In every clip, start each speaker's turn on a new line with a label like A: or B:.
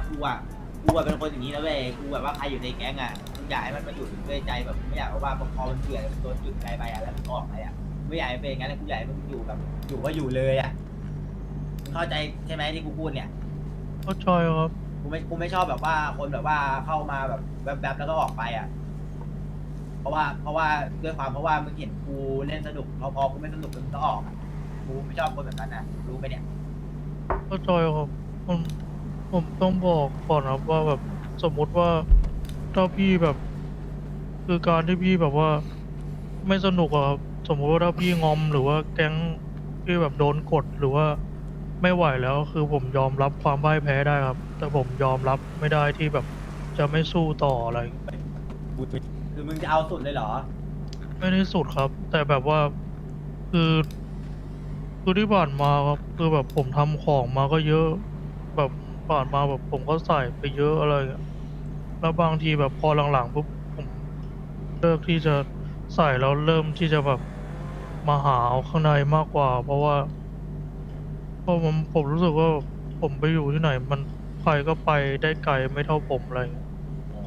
A: กูอะเป็นคนอย่างนี้นะเว้ยกูแบบว่าใครอยู่ในแก๊งอะมึงอยากให้มันมาอยู่ด้วยใจแบบไม่อยากว่าพอมันเบื่อโดนจุดใจไปอะแล้วมันออกไปอะไม่อยากให้เป็นอย่างนั้นกูอยากให้มันอยู่แบบอยู่ก็อยู่เลยอะมึงเข้าใจใช่ไหมที่กูพูดเนี่ย
B: เข้าใจครับ
A: กูไม่ชอบแบบว่าคนแบบว่าเข้ามาแบบแบบแล้วก็ออกไปอ่ะเพราะว่าด้วยความเพราะว่ามึงเห็นกูเล่นสนุกพอกูไม่สนุกมึงก็ออกอ่ะกูไม่ชอบคนแบบนั้นนะรู้ไหมเนี่ย
B: เข้าใจครับผมผมต้องบอกก่อนครับว่าแบบสมมุติว่าถ้าพี่แบบคือการที่พี่แบบว่าไม่สนุกอะครับสมมุติว่าถ้าพี่งอมหรือว่าแก๊งพี่แบบโดนกดหรือว่าไม่ไหวแล้วคือผมยอมรับความพ่ายแพ้ได้ครับแต่ผมยอมรับไม่ได้ที่แบบจะไม่สู้ต่ออะไร
A: คือมึงจะเอาสุดเลยเหรอ
B: ไม่ได้สุดครับ แต่แบบว่าคือคือที่ผ่านมาครับคือแบบผมทำของมาก็เยอะแบบผ่านมาแบบผมก็ใส่ไปเยอะอะไรอย่างเงี้ยแล้วบางทีแบบพอหลังๆปุ๊บผมเลิกที่จะใส่แล้วเริ่มที่จะแบบมาหาเอาข้างในมากกว่าเพราะว่าเพราะผมรู้สึกว่าผมไปอยู่ที่ไหนมันใครก็ไปได้ไกลไม่เท่าผมอะไรอย่างเงี้ย
A: อ๋อ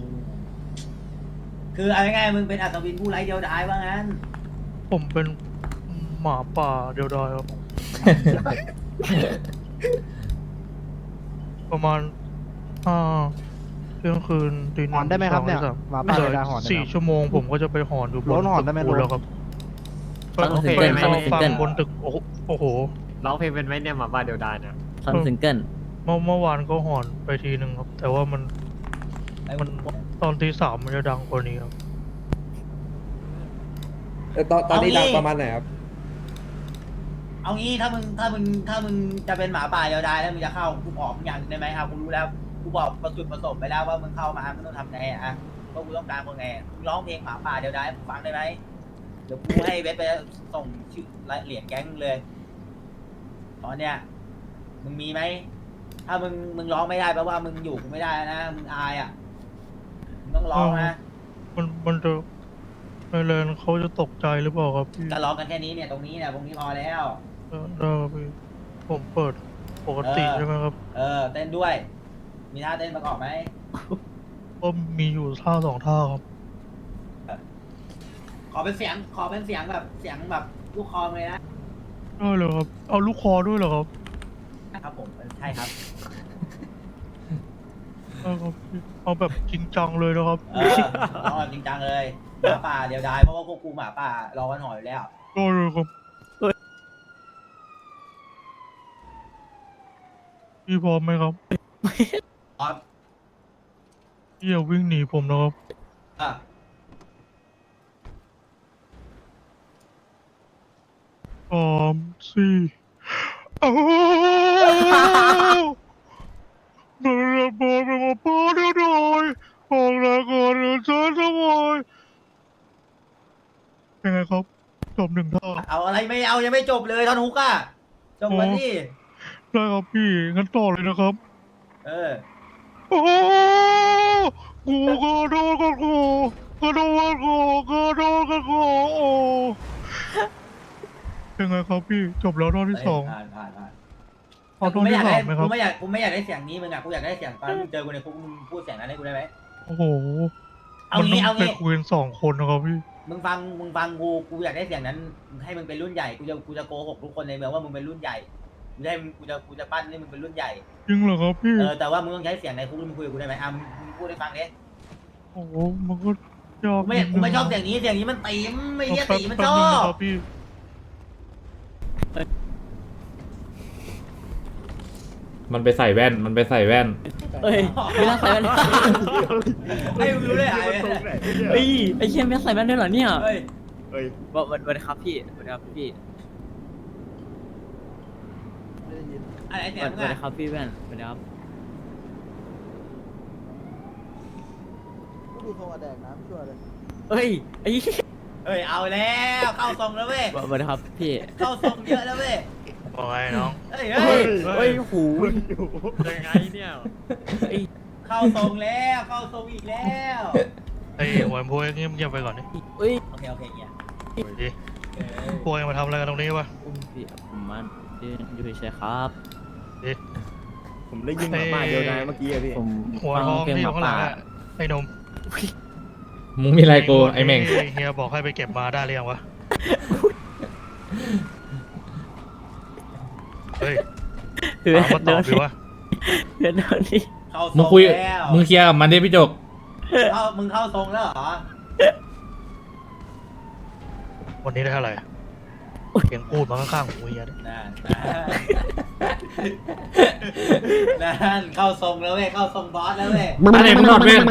A: คือเอาง่ายๆมึงเป็นอัศวินผู้ไร้เดียวดายว่างั้น
B: ผมเป็นหมาป่าเดียวดายครับประมาณห้า เที่ยงคืนตีห
C: หอน
B: นึ่งตี
C: ได้ไหมครับเนี่ย
B: สองตีสาม
C: หมาป่า
B: เหลือ
C: เวลาหอนได้ไหม
B: สี่ชั่วโมงผมก็จะไปหอนอยู่บ
C: โล้
B: น
C: นหอ
B: ตึ
C: น
B: ก
C: ได้ไหม
B: ปูน
C: โล้น
B: แล้วครับ
D: ฟังซิง
B: ไป
D: เกิลไหม
B: รอ
D: ซิง
B: ฟัง
D: เกิล
B: บนตึกโอ้โห
D: ร้องเพลงเป็นไหมเนี่ยหมาบ้าเดียวดายเนี่ยฟังซิงเกิล
B: เมื่อวานก็หอนไปทีหนึ่งครับ แต่ว่ามัน
A: ไอ้
B: มันตอนตีสามมันจะดังกว่านี้ครับ
E: ตอนนี้ดังประมาณไหนครับ
A: เอางี้ถ้ามึงจะเป็นหมาป่าเดียวดายแล้วมึงจะเข้ากูออกมึงอย่างได้ไหมครับกูรู้แล้วกูบอกประจุดประสงค์ไปแล้วว่ามึงเข้ามามึงต้องทำไงอะว่ากูต้องการคนไงมึงร้องเพลงหมาป่าเดียวดายให้กูฟังได้ไหมเดี๋ยวกูให้เวทไปส่งชื่อเหรียญแก๊งมึงเลยตอนเนี้ยมึงมีไหมถ้ามึงร้องไม่ได้แปลว่ามึงอยู่กูไม่ได้นะมึงอายอ่ะมึงต้องร้องนะ
B: มันจะไทยแลนด์เขาจะตกใจหรือเปล่าครับพี่
A: ก็ร้องกันแค่นี้เนี่ยตรงนี้เนี่ยตรงนี้พอแล้ว
B: ได้ครับพี่ผมเปิดปกติใช่ไหมครับ
A: เต้นด้วย มีท่าเต้นประกอบไหม
B: ก็มีอยู่ท่าสองท่าครับ
A: ขอเป็นเสียงแบบเสียงแบบลูกคอเลยนะ
B: ได้เลยครับ เอาลูกคอด้วยเหรอครับ
A: ครับผมใช่ครับ
B: ได้ครับพี่เอาแบบจริงจังเลยนะครับ
A: ร้องแบบจริงจังเลยหมาป่าเดี๋ยวได้เพราะว่าพวกกูหมาป่ารอกันหอยอยู่แล้ว
B: ได้เลยครับพี่พร้อมไหมครับ
A: อ๋อ
B: พี่อย่าวิ่งหนีผมนะครับ
A: อ่ะ
B: สามสี่อ้าวมันระเบิดเป็นมาป้าได้หน่อยออกแรงก่อนเดี๋ยวฉันทำไมยังไงครับจบหนึ่งท่า
A: เอาอะไรไม่เอายังไม่จบเลยท่อนฮุกอ่ะจบมันนี่
B: ได้ครับพี่งั้นต่อเลยนะครับ
A: เออ
B: โอ้กูกระโดดกระโดดกระโดดกระโดดกระโดดโอ้ยังไงครับพี่จบแล้วรอบที่สอง
A: ผ่าน
B: เอารอบที่สามไหมครับ
A: กูไม่อยากได้เสียงนี้มึงอ่ะกูอยากได้เสียงตอนมึงเจอกูในคุกมึงพูดเสียงนั้นให้กูได้ไหม
B: โอ้โห
A: เอา
B: มัน
A: งี้
B: ต้
A: เอา
B: องไป
A: งี้
B: คุยกันสองคนนะครับพี่
A: มึงฟังกูอยากได้เสียงนั้นให้มึงเป็นรุ่นใหญ่กูจะโกหกทุกคนในเมืองว่ามึงเป็นรุ่นใหญ่กูจะปั้นให้มึงเป็นรุ่นใหญ่
B: จริงเหรอครับพี่
A: แต่ว่ามึงต้องใช้เสียงในคุกมึงคุยกับกูได้ไหมมึงพูดให้ฟังดิ
B: โอ้โหมันก็ยาก
A: กูไม่ชอบเสียงนี้มันตีมไม่เรียกตีมันชอ
B: แป๊บนึงนะ
A: บ
B: ครับพี่
F: มันไปใส่แว่น มันไปใส่แว่น
D: เอ้ยไม่ต้องใส่แว่น
A: ให้มึงรู้เลยหาย
D: เฮ้ยไอ้เชี่ยไม่ต้องใส่แว่นด้วยเหรอเนี่ย
A: เฮ้ย
D: วันครับพี่วันครับพี่
A: อะไรเสียง
D: วัน
A: มึง
D: วัน
A: อะ
D: ครับพี่แว่นวันครับ
C: ดูโทรแดกน้ำช่วยเลย
D: เฮ้ยไอ้
A: เฮ้ยเอาแล้วเข้าทรงแล้วเว้ย
D: วันครับพี่
A: เข้าทรงเยอะแล้วเว้ย
B: บอกไงน้อง
A: เฮ้ย
D: เฮ้ยเฮ้ยหู
B: ยังไงเนี่ย
A: เข้าทรงแล้วเข้าทรงอีกแล้ว
B: ไอ้หัวโพยเงียบๆไปก่อนดิ
D: เฮ้ย
A: โอเคเนี่ย
B: โอ้ยดิโพยมาทำอะไรกันตรงนี้วะ
D: พี่ผมมาอยู่เฉยๆครับ
B: ดิ
C: ผมได้ยินหมาป่าเดียวนายเมื่อกี้อะพี่
D: ผม
B: หัว
D: ฟัง
B: ทอง
D: เพลง
B: ที่
D: ห
B: อยู่
D: มา
B: ข้างหลั
D: ป่าง
B: อะไอ้หนม
F: มึงมีอะไรกูไอ้เม่ง
B: เฮียบอกให้ไปเก็บมาได้หรือยังวะเฮ้ย
D: เพื่อ
B: ถาม
D: น
B: มาตอบดิวะ
D: เพื่อนโดนนี่
A: เข้าท
F: มึ
A: รง ง
F: คุย
A: แล้ว
F: มึงเคลียร์กับมันดิพี่จก
A: มึงเข้าทรงแล้วเหรอ
B: วันนี้ได้เท่าไหร่เสียงพูดมาข้างๆหูเฮียเนี่ย
A: นั่นเข้าทรงแล้วเว้ยเข้าทรงบอสแล้วเว้ย
F: อะไรมึงถอดแว่น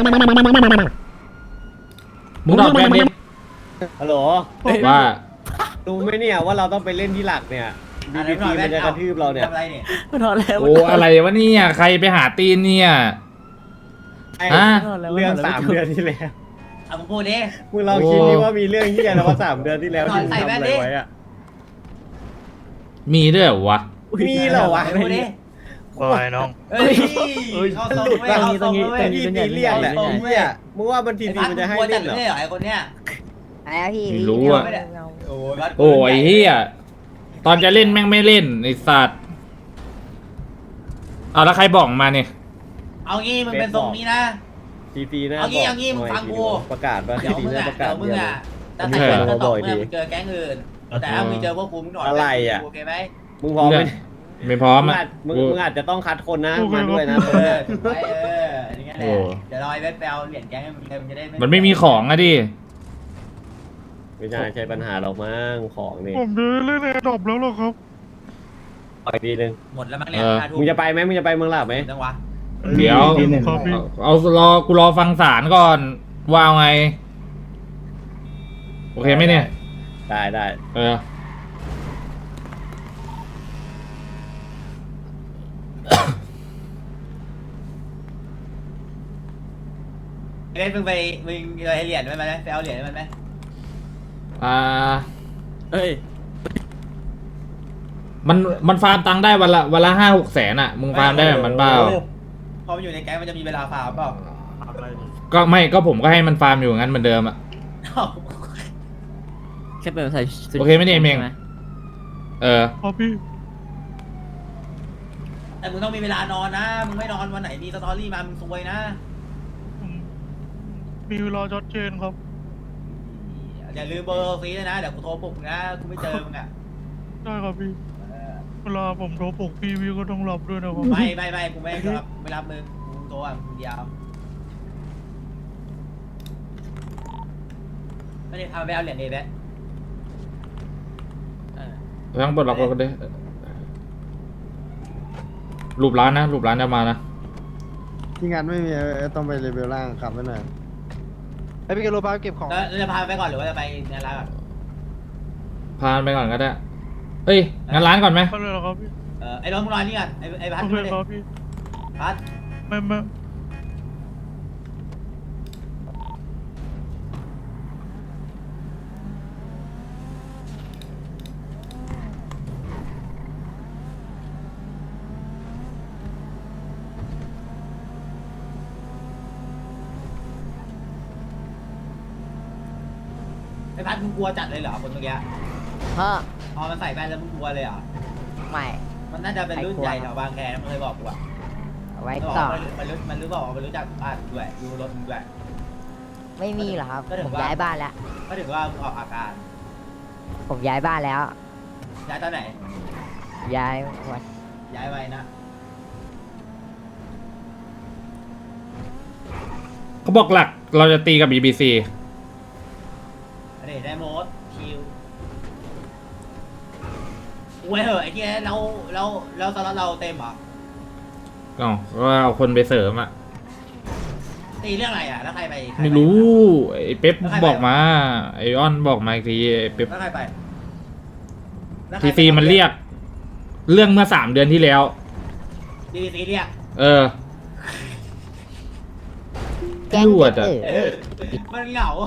F: มึงถอดแว่นดิ
C: ฮัลโหล
F: ว่า
C: รู้ไหมเนี่ยว่าเราต้องไปเล่นที่หลักเนี่ยบีบีทีมันจะกระทืบเราเนี่ย
A: ทำอะไรเนี่ย
D: มันถอดแล้ว
F: โอ้อะไรวะเนี่ยใครไปหาตีนเนี่ย
C: ไอ้
F: ฮะ
C: เรื่อง3 เดือนที่แล้ว
A: เอามึงพูดดิ
C: มึงลองคิดดิว่ามีเรื่องที่อะไรว่า3 เดือนที่แล้วที่มึง
A: ใส่
C: ทำ
A: แว่น
C: อะไร
A: ดิ
C: ไว้อะ
F: มีด้วยเหรอวะ
C: มีเหรอวะ
A: เอาพูดดิ
B: ว่าไงน้อง
A: เฮ้ยเข้าทรงเว้ยเข้าทรงเว้ย
C: พี่ตีเรียกแหละเนี่ยมึงว่ามันที
A: ไอ้
C: ที
A: พัด
C: มัน
A: มึ
C: จะ
A: ง
C: ให้
A: กลัวจั
C: เล่
A: ด
C: น
A: เล
C: เหรอ
A: ยเหรอไอ้คนเนี้ย
G: อะไรอะพี่
F: ไม่รู้อะ
A: โอ้ย
F: โอ้ยเฮียตอนจะเล่นแม่งไม่เล่นไอ้สัตว์เอาแล้วใครบอกมาเนี่ย
A: เอางี้มึงเป็นทรงนี้นะ
C: ทีทีนะ
A: เอางี้มึงฟังกู
C: ประกาศว่า
A: เดี๋ยว
C: ที
A: มึง
C: นะ
A: อ่ะ
C: ประกาศ
A: เดี๋ยวมึง
C: เดียว
A: อ่ะถ้าใส่แว่นก็ตกเมื่อมึงเจอแก๊งอื่น แต่ถ้ามึงเจอพวกกูมึงหน่อย
C: อะไรอะ
A: โอเคไหม
C: มึงพร้อมไหม
F: ไม่พร้อม
C: มึง
F: อ่ะ
C: อาจมึงอาจจะต้องคัดคนนะ
B: โอเค
C: มาด้วยนะ
A: เออถูกไหมอย่างเงี้ยแห
F: โอ้
A: ละเดี๋ยวรอไอ้เวทไปเอาเหรียญแก๊งให้มึงเลยมึงจะได้
F: มันไม่มีของอะดิ
C: ไม่น่าใช่ปัญหาหรอกมั้งของนี่
B: ผมจะเล่นแอร์ดรอปแล้วหรอครับ
C: ปล่อยทีนึง
A: หมดแล้วมั้งเนี่ย5 ทุ่
C: มึงจะไปไหมมึงจะไปเมืองหลับไหม
A: จังวะ
F: เดี๋ยว
B: ครับพี่
F: เอากูรอฟังสารก่อนว่าเอาไง โอเคไหมเนี่ย
C: ได้ได้
F: เออ
A: เวทมึงไปให้เหรียญมันไหมไปเอาเหรียญมันไหม
F: อ่า
D: เอ้ย
F: มันฟาร์มตังค์ได้วันละ5-6 แสนอ่ะ มึงฟาร์มได้แบบมันเปล่า
A: พอมันอยู่ในแก๊งมันจะมีเวลาฟาร์มเปล่า
F: ก็ผมก็ให้มันฟาร์มอยู่งั้นเหมือนเดิมอ่ะ
D: แค่เป็นใส่ชุด
F: โอเคไหมเนี่ยเมง
D: ใช่ห
F: เออ
B: ครับพี่
A: แต่มึงต้องมีเวลานอนนะ มึงไม่นอนวันไหนมีสตอรี่มา มึงซวยนะ
B: ผมมีเวลาชัดเจนครับ
A: อย่าลืมเบอร์ฟรีด้วยนะ เดี๋ยวกูโทรปลุกนะ กูไม่เจอมึงอ่ะ
B: ได้ครับพี่
A: เออ
B: เวลาผมโทรปลุกพี่ก็ต้องรับด้วยนะครับ
A: ไม่กูไม่รับมึง กูโทรอ่ะมึงเดียวไม่ได้พาไปเอาเหรียญเอเวส
F: ทั้งบทเราก็ได้รูปร้านจะมานะ
H: ที่งานไม่มีต้องไปเลเวลล่างขับไว้หน่อยไอพี่เกโลพาเก็บของ
A: แล้วจะพาไปก่อนหรือว่าจะไปงานร้านก่อน
F: พาไปก่อนก็ได้ เอ้ยงั้นร้านก่อนไหม
B: ก็เลยเหรอครับพี่
A: ไอ้รถมึงรอนี่ก่อนไอ้พัด
B: โอเค
A: มาดิ
B: ครับพี่
A: พัด
B: ไม่
A: ไอ้พัดมึงกลัวจัดเลยเหรอคนเมื่อกี้
G: เพราะ
A: พอมันใส่แว่นแล้วมึงกลัวเลยเหรอ
G: ไม่
A: มันน่าจะเป็นรุ่นใหญ่แถวบางแคนะมึงเคยบอกกูอ่ะ
G: เอาไว้
A: มันบอก
G: ก่อน
A: มันรู้บอกว่ามันรู้จักบ้านกูด้วยดูรถมึงด้วย
G: ไม่มีหรอกครับ
A: ก็ถึง
G: ผม
A: ว่า
G: ย้ายบ้านแล้ว
A: ก็ถือว่ามึงออกอาการ
G: ผมย้ายบ้านแล้ว
A: ย้ายตอนไหน
G: ย้ายวัน
A: ย้ายไว้นะ
F: เขาบอกหลักเราจะตีกับ BBC
A: อันนี้ได้โมดคิวเว้ยเหอะไอ้ที่เราตอนนั้นเราเต็มเหรอ
F: อ๋อก็เอาคนไปเสริมอ่ะ
A: ตีเรื่องอะไรอ่ะแล้วใครไปใครป
F: ไม่รู้ ไอ้เป๊ป
A: แล้วใครไป
F: บอกมา ไอออนบอกมาอีกทีไอ้เป๊ป
A: แล้วใครไปแล้วใค
F: ที
A: ไป
F: ซีมันเรียก เรื่องเมื่อ3 เดือนที่แล้ว
A: ทีซีเรียก
F: เออ
G: แก๊ง
F: รวดอะ
A: มันเหงา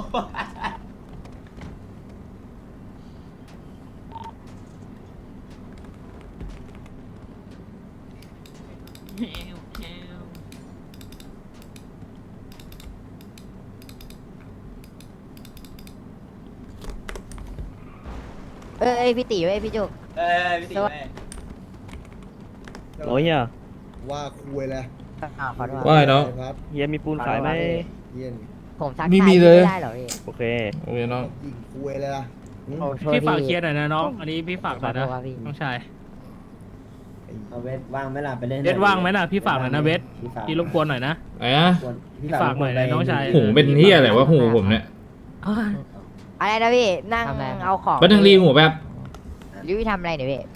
G: เอ้ยพี่ตีเว้ยพี่จุก
A: พี่ตี
G: สวัส
A: ไป
G: ดี
D: โอ้ยอ่ะ
C: ว
E: ว่าคุยเลย
G: อ้าวขอโทษ
F: ว่าไงน้อง
E: ครับ
H: เฮียมีปูนขายไหม
E: เยี่ยน
G: ผมทัก
F: มี
G: ทาย
F: มี
G: พี่
F: เลย
G: ไม่ได้เหรอพี่
H: โอเค
F: โอเคน้อง
E: ยิงคุยเลยล่ะ
G: โอ้โทษ
I: พี่ฝากเคลียร์หน่อยนะน้อง อันนี้พี่ฝากห
G: ข
I: น่
G: อ
I: อย
G: โท
I: นะ
G: ษครับพี่
I: น้องชาย
C: เอาเวทว่างไหมล่ะไปเล่น
I: เวทว่างไหมน่ะพี่ฝากหน่อยนะเวทพี่รบกวนหน่อยนะ
F: ไหนอะ
I: พี่ฝากหน่อยนะน้องชาย
F: หูเป็นเฮียอะไรวะหูผมเนี่ย
G: อะไรนะพี่ นั่งเอาของ
F: แป๊บนึงรีหูแป๊บ
G: รีวิวทำอะไรเนี่ยพี่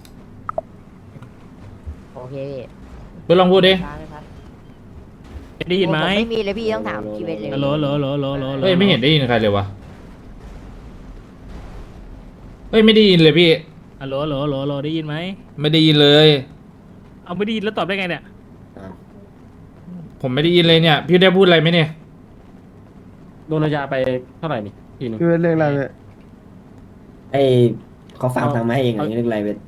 G: โอเคพี่
F: เพื่อนลองพูดดิ
I: ได้ยินไหม
G: ผไม่มีเลยพี่ต้องถามชีวิตเลย
I: ฮัลโหลฮัลโหลฮัลโหลฮัลโหลฮัลโหล
F: เฮ้ยไม่เห็นได้ยินใครเลยวะเฮ้ยไม่ได้ยินเลยพี่
I: ฮัลโหลฮัลโหลฮัลโหลฮัลโหลได้ยินไหม
F: ไม่ได้ยินเลย
I: เอาไม่ได้ยินแล้วตอบได้ไงเนี่ย
F: ผมไม่ได้ยินเลยเนี่ย พี่ได้พูดอะไรไหมเนี่ย
D: โดนยาไปเท่าไหร่นี่ทีนึง
H: พี่เป็นเรื่องอะไรเนี่ย
C: ไอเขาฝากทางมาให้เองอย่างนี้เรื่องอะไรเวท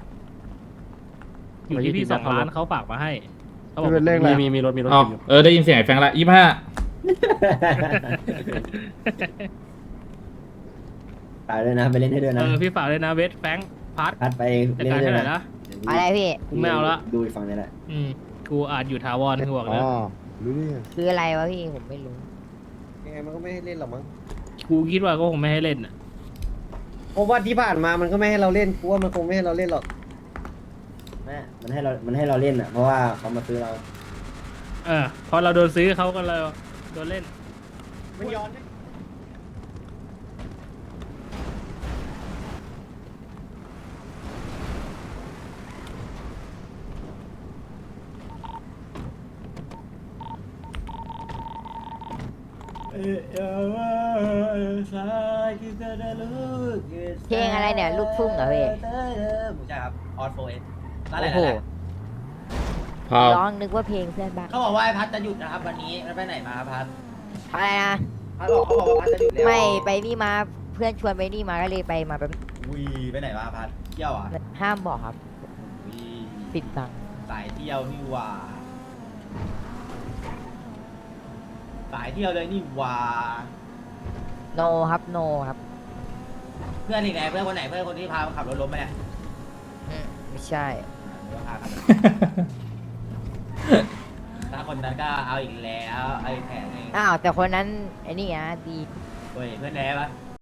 I: อยู่ที่พี่2 ล้านเขาฝากมาให้เขาบอก
H: พี่เป็นเรื่องอะไร
D: มีรถ
F: อ๋อเออได้ยินเสียงไอ้แฟงละ25
C: ฝากด้วยนะไปเล่นให้ด้วยนะ
I: พี่ฝากเลยนะเวทแฟรงค์พัด
C: พัดไป
I: จัด
C: เล่น
I: การ
C: ให้ด้
I: ให้
C: วย
I: หน่อย
C: นะ
I: นะ
G: อะไรพี่
I: กูไม่เอาละ
C: ดูอีกฝั่งนี้แหละ
I: กูอาจอยู่ถาวรคือบอก
H: อ๋
I: นะ
H: อรู้นี่
G: คืออะไรวะพี่ ผมไม่รู้
C: ยังไงมันก็ไม่ให้เล่นหรอกมั้ง
I: กูคิดว่าก็คงไม่ให้เล่นอ่ะ
C: เพราะว่าที่ผ่านมามันก็ไม่ให้เราเล่นกูว่ามันคงไม่ให้เราเล่นหรอกแม่มันให้เราเล่นอ่ะเพราะว่าเขามาซื้อเรา
I: พอเราโดนซื้อเขาก็เลยโดนเล่น
C: มันย้อน
G: เพลงอะไรเนี่ยลูกทุ่งเหรอพี่
A: ใช่ครับออสโฟเอสร้านอะไร
G: โอ้โห
A: นะ
F: พาว
G: ร้องนึกว่าเพลงเพื่อนบ้าน
A: เขาบอกว่าไอ้พัดจะหยุดนะครับวันนี้แล้วไปไหนมาครับพัด
G: อะไรนะ
A: พัดบอกเขาบอกว่าพัดจะหยุดแล้ว
G: ไม่ไปนี่มาเพื่อนชวนไปนี่มาก็เลยไปมาแบบ
A: วีไปไหนมาพัดเที่ยวอ่ะ
G: ห้ามบอกครับ
A: วี
G: ปิดบัง
A: สายเที่ยวนี่หว่าสายเที่ยวเลยนี่หว่า
G: โนครับโนครับ
A: เพื่อนอีกไหนเพื่อนคนไหนเพื่อนคนที่พาขับรถล้มไปเนี่ย
G: ไม่ใช่
A: เดี๋ยวพาขับรถถ้าคนนั้นก็เอาอีกแล้วเอาอีกแผนหนึง
G: อ้าวแต่คนนั้นไอ้นี่นะดี
A: เฮ้ยเพื่อนแน่ปะ